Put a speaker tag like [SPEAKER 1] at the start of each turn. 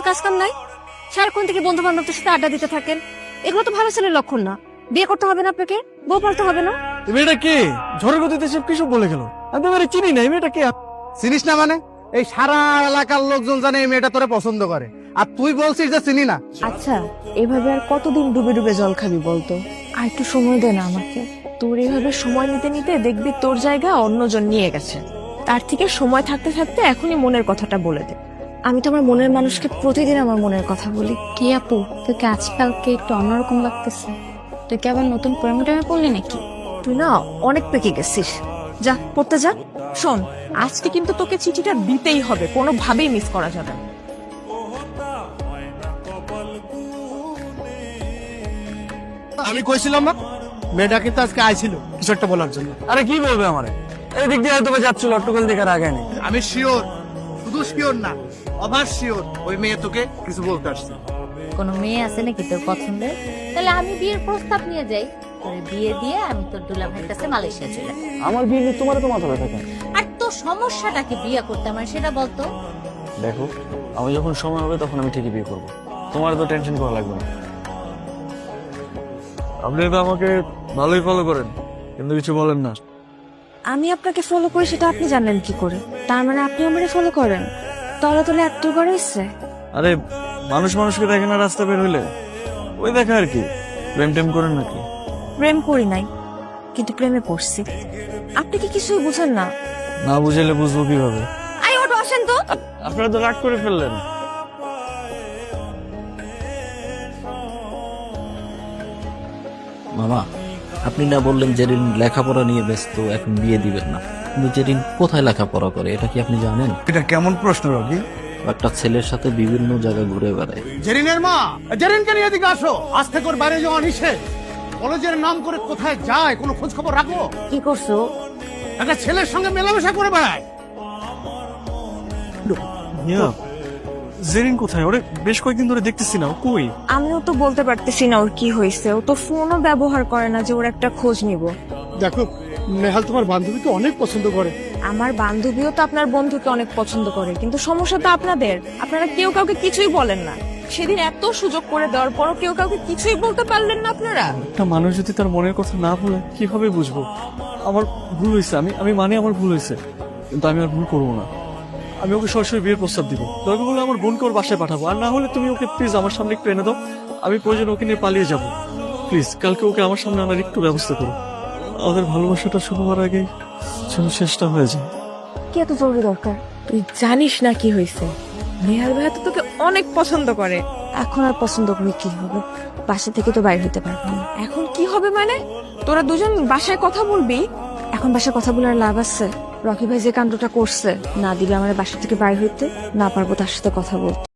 [SPEAKER 1] কাজ কাম নাই? সারাক্ষণ থেকে বন্ধু বান্ধবদের সাথে আড্ডা দিতে থাকেন, এগুলো তো ভালো ছেলের লক্ষণ না। বিয়ে করতে হবে না আপনাকে, বউ পালতে হবে না।
[SPEAKER 2] এই মেয়েটা কে? ঝড়ের গতিতে সব কিছু বলে গেল। আমি তো মেয়েটা চিনি না। এই মেয়েটা কে?
[SPEAKER 3] চিনিস না মানে? এই সারা এলাকার লোকজন জানে এই মেয়েটা তোরে পছন্দ করে, আর তুই বলছিস যে চিনি না।
[SPEAKER 1] আচ্ছা, এভাবে আর কতদিন ডুবে ডুবে জল খাবি বলতো? আর একটু সময় দে না আমাকে। তোর এইভাবে সময় নিতে নিতে দেখবি তোর জায়গা অন্যজন নিয়ে গেছে। তার থেকে সময় থাকতে থাকতে এখনই মনের কথাটা বলে দে। আমি তো আমার মনের মানুষকে প্রতিদিন আমার মনের কথা বলি।
[SPEAKER 4] কি আপু, তোকে আজকালকে একটু অন্যরকম লাগতেছে। তুই কি আবার নতুন প্রেমে টেমে পড়লি নাকি?
[SPEAKER 1] তুই না অনেক পেকে গেছিস। যা পড়তে যা। শোন, আজকে কিন্তু তোকে চিঠিটা দিতেই হবে, কোনোভাবেই মিস করা যাবে না।
[SPEAKER 3] আমি কইছিলাম না মেয়েটা কিন্তু আজকে আইছিল কিছু একটা বলার জন্য।
[SPEAKER 2] আরে কি বলবে আমারে? এদিক দিয়ে হয়তো যাচ্ছিল, অট্টকল দেখার আগে নেই।
[SPEAKER 3] আমি শিওর, শুধু শিওর না, অভার শিওর ওই মেয়ে তোকে কিছু বলতে আসছে।
[SPEAKER 4] কোনো মেয়ে আছে নাকি তোর পছন্দের? তাহলে আমি বিয়ের প্রস্তাব নিয়ে যাই, তোরে বিয়ে দিয়ে আমি তোর দুলাভাইয়ের কাছে মালয়েশিয়া চলে যাই।
[SPEAKER 2] আমার বিয়ে নিয়ে তোমার তো মাথা ব্যথা কেন?
[SPEAKER 4] আর তোর সমস্যাটা কি বিয়ে করতে আমার, সেটা বলতো।
[SPEAKER 2] দেখো, আমি যখন সময় হবে তখন আমি ঠিকই বিয়ে করবো। তোমার তো টেনশন করা লাগবে না। আপনি তো আমাকে ভালোই ফলো করেন, কিন্তু কিছু বলেন না।
[SPEAKER 1] আমি আপনাকে ফলো করি সেটা আপনি জানেন কি করে? তার মানে আপনি আমারে ফলো করেন? তলে তলে এত করে ইচ্ছে।
[SPEAKER 2] আরে মানুষ মানুষকে দেখে না রাস্তা বের হইলে, ওই দেখা আর কি। প্রেম টেম করেন নাকি?
[SPEAKER 1] প্রেম করি নাই, কিন্তু প্রেমে পড়ছি। আপনি কি কিছুই বুঝেন না?
[SPEAKER 2] না বুঝাইলে বুঝবো কিভাবে?
[SPEAKER 1] আই ওটো আসেন তো।
[SPEAKER 2] আপনারা তো রাগ করে ফেললেন।
[SPEAKER 5] মামা, আপনি না বললেন জেরিন লেখাপড়া নিয়ে ব্যস্ত, এখন বিয়ে দিবেন না, কিন্তু জেরিন কোথায় লেখাপড়া করে এটা কি আপনি জানেন?
[SPEAKER 3] এটা কেমন প্রশ্ন রকি?
[SPEAKER 5] একটা ছেলের সাথে বিভিন্ন জায়গা ঘুরে বেড়ায়।
[SPEAKER 3] জেরিনের মা, জেরিনকে নিয়ে এদিকে আসো। আজ থেকে ওর বাইরে যাওয়া নিষেধ। কলেজের নাম করে কোথায় যায় কোনো খোঁজ খবর রাখো?
[SPEAKER 1] কি করছো?
[SPEAKER 3] একটা ছেলের সঙ্গে মেলামেশা করে বেড়ায়।
[SPEAKER 2] জেরিন কোথায়? ওরে বেশ কয়েকদিন ধরে দেখতেছি না, ও কই?
[SPEAKER 1] আমিও তো বলতে পারতেছি না ওর কি হয়েছে। ও তো ফোনও ব্যবহার করে না যে ওর একটা খোঁজ নিব।
[SPEAKER 3] দেখো, নেহাল তোমার বান্ধবীকে অনেক পছন্দ করে।
[SPEAKER 1] আমার বান্ধবীও তো আপনার বন্ধুকে অনেক পছন্দ করে, কিন্তু সমস্যা তো আপনাদের। আপনারা কেউ কাউকে কিছুই বলেন না। সেদিন এত সুযোগ করে দেওয়ার পরও কেউ কাউকে কিছুই বলতে পারলেন না আপনারা।
[SPEAKER 2] একটা মানুষ যদি তার মনের কথা না বলে কিভাবে বুঝবো? আমার ভুল হয়েছে, আমি মানে আমার ভুল হয়েছে, কিন্তু আমি আর ভুল করবো না। আমি ওকে সরাসরি বিয়ের প্রস্তাব দিব। দরকার হলে আমার বোনকে ওর বাসায় পাঠাবো, আর না হলে তুমি ওকে প্লিজ আমার সামনে একটু এনে দাও। আমি প্রয়োজন ওকে নিয়ে পালিয়ে যাব। প্লিজ কালকে ওকে আমার সামনে আনার একটু ব্যবস্থা করো। আমাদের ভালোবাসাটা শুরু হওয়ার আগে যেন শেষটা হয়ে যায়।
[SPEAKER 1] কি এত জরুরি দরকার? তুই জানিস না কি হয়েছে? নেহাল ভাইয়া তো তোকে অনেক পছন্দ করে। এখন আর পছন্দ করে কি হবে? বাসা থেকে তো বাইরে হতে পারবো না। এখন কি হবে মানে? তোরা দুজন বাসায় কথা বলবি? এখন বাসায় কথা বলার লাভ আছে? রকি ভাই যে কাণ্ডটা করছে, না দিবে আমার বাসা থেকে বাইরে হইতে, না পারবো তার সাথে কথা বলতে।